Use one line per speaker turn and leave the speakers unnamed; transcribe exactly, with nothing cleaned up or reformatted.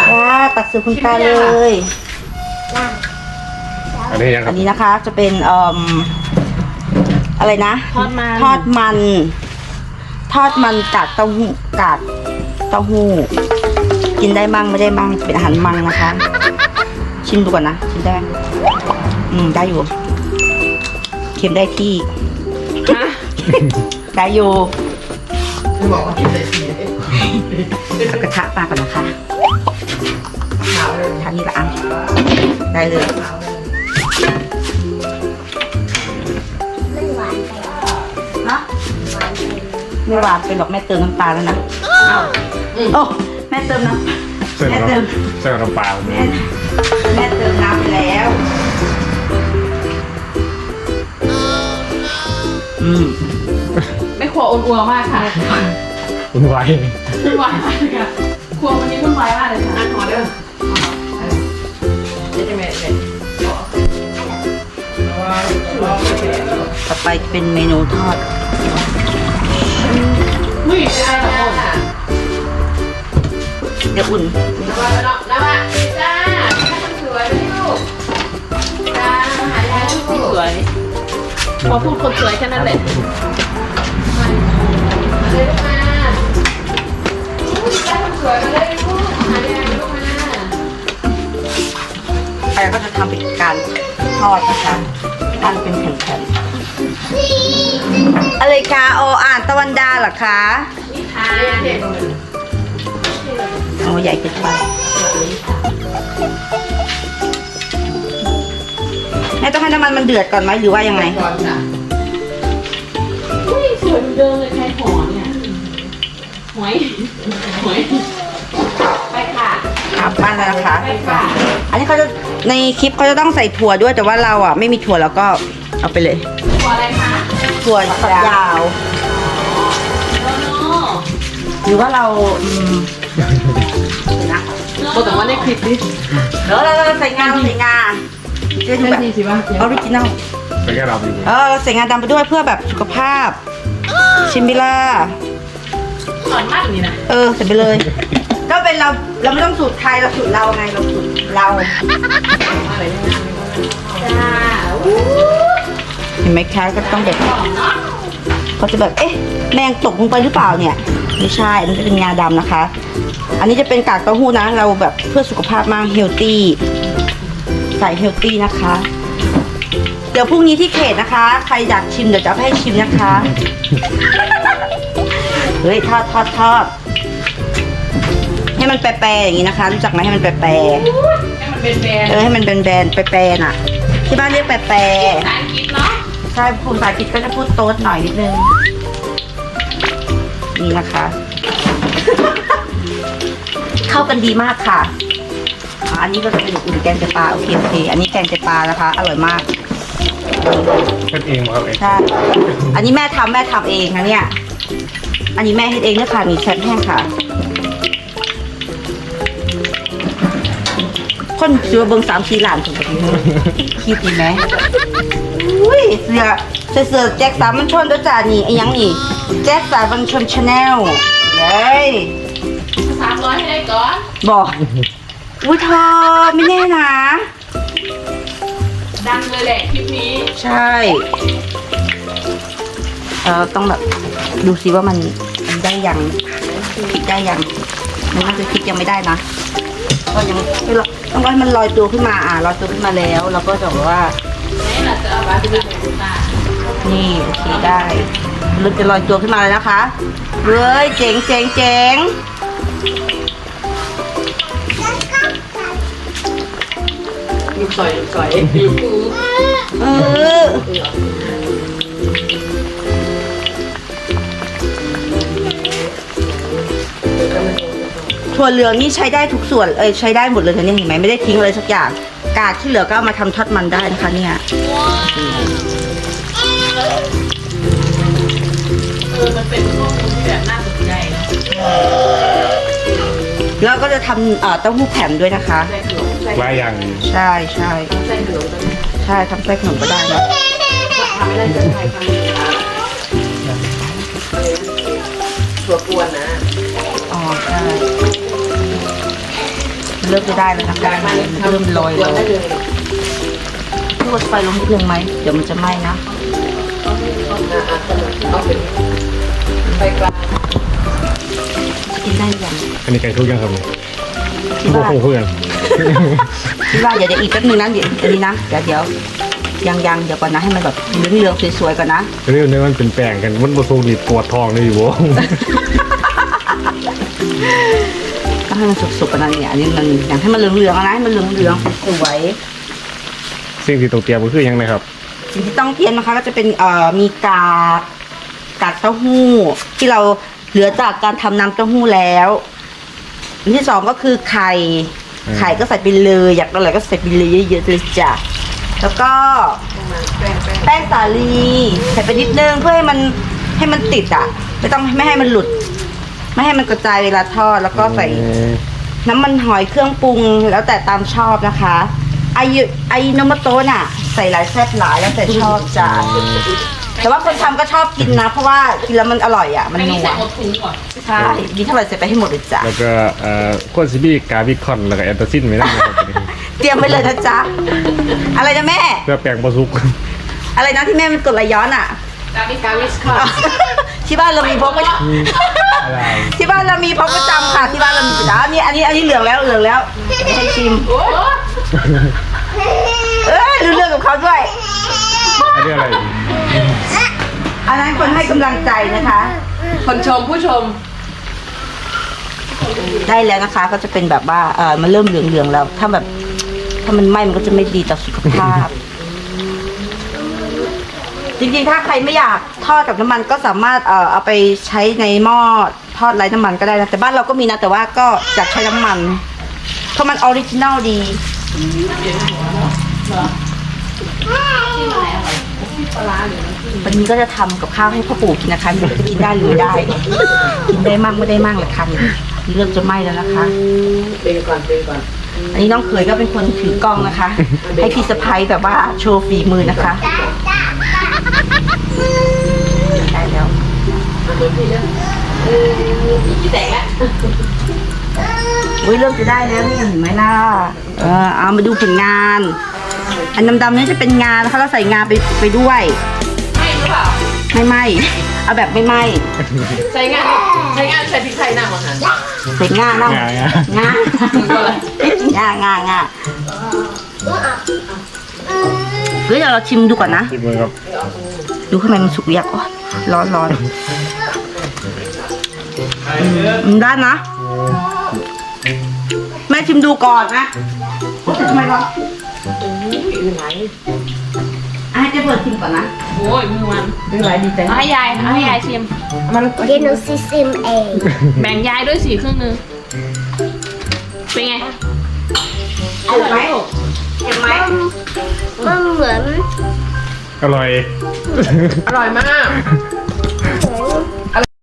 ค่ะตักเสิร์ฟคุณตาเลย
อันนี้ยังค
อั
รับ
นนี้นะคะจะเป็นเอ่ออะไรนะ
ทอดมัน
ทอดมัน ทอดมันกากเต้าหู้กากเต้าหู้กินได้มั่งไม่ได้มั่งเป็นอาหารมั่งนะคะ ชิมดูก่อนนะชิมได้ไหมอืมได้อยู่เค็มได้ที่ ได้อยู่
ไม่บอกว่ากินได้ที
เอากระทะปลาก่อนนะคะ
ขาวเลย
ทานนี้ละอ่ะได้เลย
ไม่หวานไป
นะ
หวานไป
ไม่หวานไปหรอกแม่เติมน้ำตาลแล้วนะโอ้แม่เติมน้ำ
เส้น
แม่
กับ
เติม
เส้นกับน้ำปลา
แม่แม่เติมน้ำไปแล้วอืม
ไม่ครัวอ้วนๆมากค่ะ
คุณไว้
วุ่นวายมากเลยค่ะครัววันนี้วุ่นวายมากเลยค่ะ
ขอเด้อนี่จะแม่เนี่ย
ต่อไปเป็นเมนูทอด
ไม่ได้หรอก
เดี๋ยวอุ่น
แล้วว่าแล้วว่าจ้าคนสวยไม่ลูกจ้าหายายลูกสวยพอพูดคนสวยแค่นั้นแหละมาเลยลูกมาจ้าคนสวยมาเลยลูกหายายลูกมา
ไปก็จะทำเป็นการทอดนะคะอันเป็นแผ่นๆอะไรคะโออ่านตะวันดาเหรอคะ
นี่ค่ะเด็ก
โอ้ใหญ่เกินไปแม่ต้องให้น้ำมันมันเดือดก่อนไหมหรือว่ายังไง
ก่อนจ้ะ
อุ้ยสวยเหมือนเดิมเลยใครหอเนี่ยหอยหอยไปค่ะ
ครับปั้นแล้วนะคะ
ไปค่ะ
อันนี้เขาจะในคลิปเขาจะต้องใส่ถั่วด้วยแต่ว่าเราอ่ะไม่มีถั่วแล้วก็เอาไปเลย
ตัวอะไรคะ
ถั่วฝักยาว
โนโน่
หรือว่าเราอืมเดี๋ยวนะ
โแต่ว่าในคลิปนี้
เดี๋ยวเราเราใส่งาเราใส่งาจะดู
ได้
แบบ
ทีสิวะ
ออริจินัล
เป็นแค่เราอยู่
เออเราใส่งาดำไปด้วยเพื่อแบบสุขภาพ ชิมบิล่า
สอนมากนี่นะ
เออใส่ไปเลย ก็เป็นเราเราไม่ต้องสูตรไทยเราสูตรเราไงเราสูตรเรา
อะไรเนี่ยจ้าอู้
เห็นไหมคะก็ต้องแบบ
หอมเนาะ
เขาจะแบบเอ๊ะแมงตกลงไปหรือเปล่าเนี่ยไม่ใช่อันนี้จะเป็นงาดำนะคะ อันนี้จะเป็นกากเต้าหู้นะ เราแบบเพื่อสุขภาพมากเฮลตี้ใส่เฮลตี้นะคะ เดี๋ยวพรุ่งนี้ที่เขตนะคะ ใครอยากชิมเดี๋ยวจะเอาไปให้ชิมนะคะ เฮ้ยทอดทอดทอดให้มันแปรๆอย่างนี้นะคะ รู้จักไหมให้มันแปร
ให้มันเป็นแบรน
ๆ
ด์
เออให้มันเป็นแบรนด์แปรๆน่ะ ที่บ้านเรียกแปร
ภาษาอังกฤษเนาะ
ๆใช่ภาษาอังกฤษก็จะพูดโต๊ดหน่อยนิดนึงนี่นะคะ เข้ากันดีมากค่ะอ่าอันนี้ก็จะเป็นอุ่นแกงไตปลาโอเคโอเคอันนี้แกงไตปลานะคะ อร่อยมาก
เป็นเองมาครับเอง
ใช่อันนี้แม่ทำแม่ทำเองนะเนี่ย อันนี้แม่เฮ็ดเองเนี่ยค่ะมีแซ่บแห้งค่ะ คนเสือเบิงสามสี่หลานถูกปะคิดดีไหมอุ้ยเสือเสือเสือแจ็คสามมันชนด้วยจ้านี่ไอ้ยังนี่แจ็คสามมันชนชาแนลเลย
สามร้อยให้ได้ก่อน
บอกอุ้ยเธอไม่แน่นะ
ดังเลยแหละคลิปนี้
ใช่เออต้องแบบดูซิว่ามันมันได้ยังพลิกได้ยังมันน่าจะพลิกยังไม่ได้นะก็ยังไม่รอต้องรอให้มันลอยตัวขึ้นมาอ่ะลอยตัวขึ้นมาแล้วเราก็จะบอกว่า
นี่เราจะเอาบาสติกตา
นี่โอเคได้เราจะลอยตัวขึ้นมาเลยนะคะเฮ้ยเจ๋งเจ๋งเจ๋ง
ลูกซอยลูกซอยลูก
เออถั่วเหลืองนี่ใช้ได้ทุกส่วนเอ้ยใช้ได้หมดเลยนะเนี่ยเห็นไหมไม่ได้ทิ้งเลยสักอย่างกากที่เหลือก็เอามาทำทอดมันได้นะคะเนี่ย
เออมันเป็นข้อมูลที่แบบน่าสนใจนะ
แล้วก็จะทำเอ่อเต้าหู้แผ่นด้วยนะคะ
ใส่ขนมใส่
ไล่อย่าง
ใช่ใช่
ใส่ขนม
ใช่ทำไส้ขนมก็ได้นะ
ทำไม่ได้จะใครทำ
ตัวกวนนะ
อ๋อใช่นเริ่มจะได้แล้วนะคะ
ได้มาเลย
เริ่มลอย
ตัว
เล
ได้
ย
เลย
ลดไฟลงนิดนึงไหมเดี๋ยวมันจะไหม้นะ
อ่าอ่าเอาเป็นไฟกลาง
กินได้ยัง
อันนี้ไก่ทุกอย่างครับเนี่ย
คิด
พวก
ว่า
เพื่อน
คิดว่าเดี๋ยวเดี๋ยวอีกแป๊บนึงนะเดี๋ยวอันนี้นะเดี๋ยวเดี๋ยวยังยังเดี๋ยวก่อนนะให้มันแบบเหลืองๆสวยๆก่อนนะ
เรื่องนี้มันเป็นแป้งกันมันผสมดีปวดท้องเลยอยู่บ่
ต้องให้มันสุกๆก่อนนะเนี่ยอันนี้มันอยากให้มันเหลืองๆนะให้มันเหลืองๆสวย
สิ่งที่ต้องเตรียมก็คือหยังนะครับ
ๆสิ่งที่ต้องเตรียมนะคะก็จะเป็นเอ่อมีกากกากเต้าหู้ที่เราเหลือจากการทำน้ำเต้าหู้แล้วอันที่สองก็คือไข่
อืม
ไข่ก็ใส่ไปเลยอยากอะไรก็ใส่ไปเลยเยอะๆเลยจ้ะแล้วก็
แป้งแป้ง
แป้งสาลีใส่ไปนิดนึงเพื่อให้มันให้มันติดอ่ะไม่ต้องไม่ให้มันหลุด ไม่ให้มันกระจายเวลาทอดแล้วก็ใส่ น้ำมันหอยเครื่องปรุงแล้วแต่ตามชอบนะคะไอยุไอโนมโตะน่ะ ใส่หลายแซ่บหลายแล้วแต่ชอบจ้ะแต่ว่าคนทำก็ชอบกินนะ เพราะว่ากินแล้วมันอร่อยอ่ะ มัน
อันนี้
นัว
ใส่หมดถุงก่อน
ใช่ดีเท่าไหร่ใส่ไปให้หมดเลยจ้ะ
แล้วก็เอ่อโคซิบี้กาบิคอนแล้วก็แอนตาซินไม่ได้นะครับ
เตรียมไว้เลยนะจ๊ะอะไรนะแม่
เพื่อแป้งบะซุก
อะไรนะที่แม่มันกดไหลย้อนอ่ะ
กาวิกาวิสค่ะ
ที่บ้านเรามีพกประจ
อะไร
ำที่บ้านเรามีพกประจำค่ะที่บ้านเรามีประจำอันนี้อันนี้อันนี้เหลืองแล้วเหลืองแล้วให้ชิม
โอ้
เอ้ยรู้เรื่องกับเขาด้วย
อันนี้อะไร
อันนั้นคนให้กำลังใจนะคะ
คนชมผู้ชม
ได้แล้วนะคะ ก็จะเป็นแบบว่าเออมันเริ่มเหลืองๆแล้ว ถ้าแบบ ถ้ามันไหม้มันก็จะไม่ดีต่อสุขภาพ จริงๆถ้าใครไม่อยากทอดกับน้ำมันก็สามารถเอ่อเอาไปใช้ในหม้อทอดไร้น้ำมันก็ได้นะแต่บ้านเราก็มีนะแต่ว่าก็อยากใช้น้ำมัน เพราะมันออริจินัลดีวันนี้ก็จะทำกับข้าวให้พ่อปู่กินนะคะไม่รู้จะกินได้หรือไม่ได้ กินได้มั่งไม่ได้มั่งแหละค่ะเริ่มจะไหม้แล้วนะคะ
เป็นก่อนเป็นก่อน
อันนี้น้องเขยก็เป็นคนถือกล้องนะคะ ให้พี่สะพ้ยแบบว่าโชว์ฝีมือนะคะได้แล้ว
พี่แตกแล้ว
อุ้ยเริ่มจะได้แล้วนี่เห็นไหมล่ะเออเอามาดูผลงาน อันดำๆนี่จะเป็นงานะคะเราใส่งาไปไปด้วย
ไม่หรือเปล่า
ไม่ไหมเอาแบบไม่ไหม
ใช้งานใช้งานใส่พริกไทยหน้ามาหัน
ใส่งาเนาะ
งางาง
างางางาเฮ้ยเดี๋ยวเราชิมดูก่อนนะ
ที่มือครับ
ดูข้างในมันสุกหรือยังโอ๊ยร้อนร้อนอืมอืมได้นะ แม่ชิมดูก่อนนะทำไมร้อน
อยู่ไหน
อ่ะให้เจ๊เปิดชิมก่อนนะ
โอ้ยมือมัน
ไม่เป็นไรดีใจ
เอาให้ยายเอาให้ยายชิมมัน
เดี๋ยวหนูซิซิมเอง
แบ่งยายด้วยสี่ครึ่งนึงเป็นไง
เอาไหมเห็นไหม
มันเหมือน
อร่อย
อร่อยมาก
เหมือน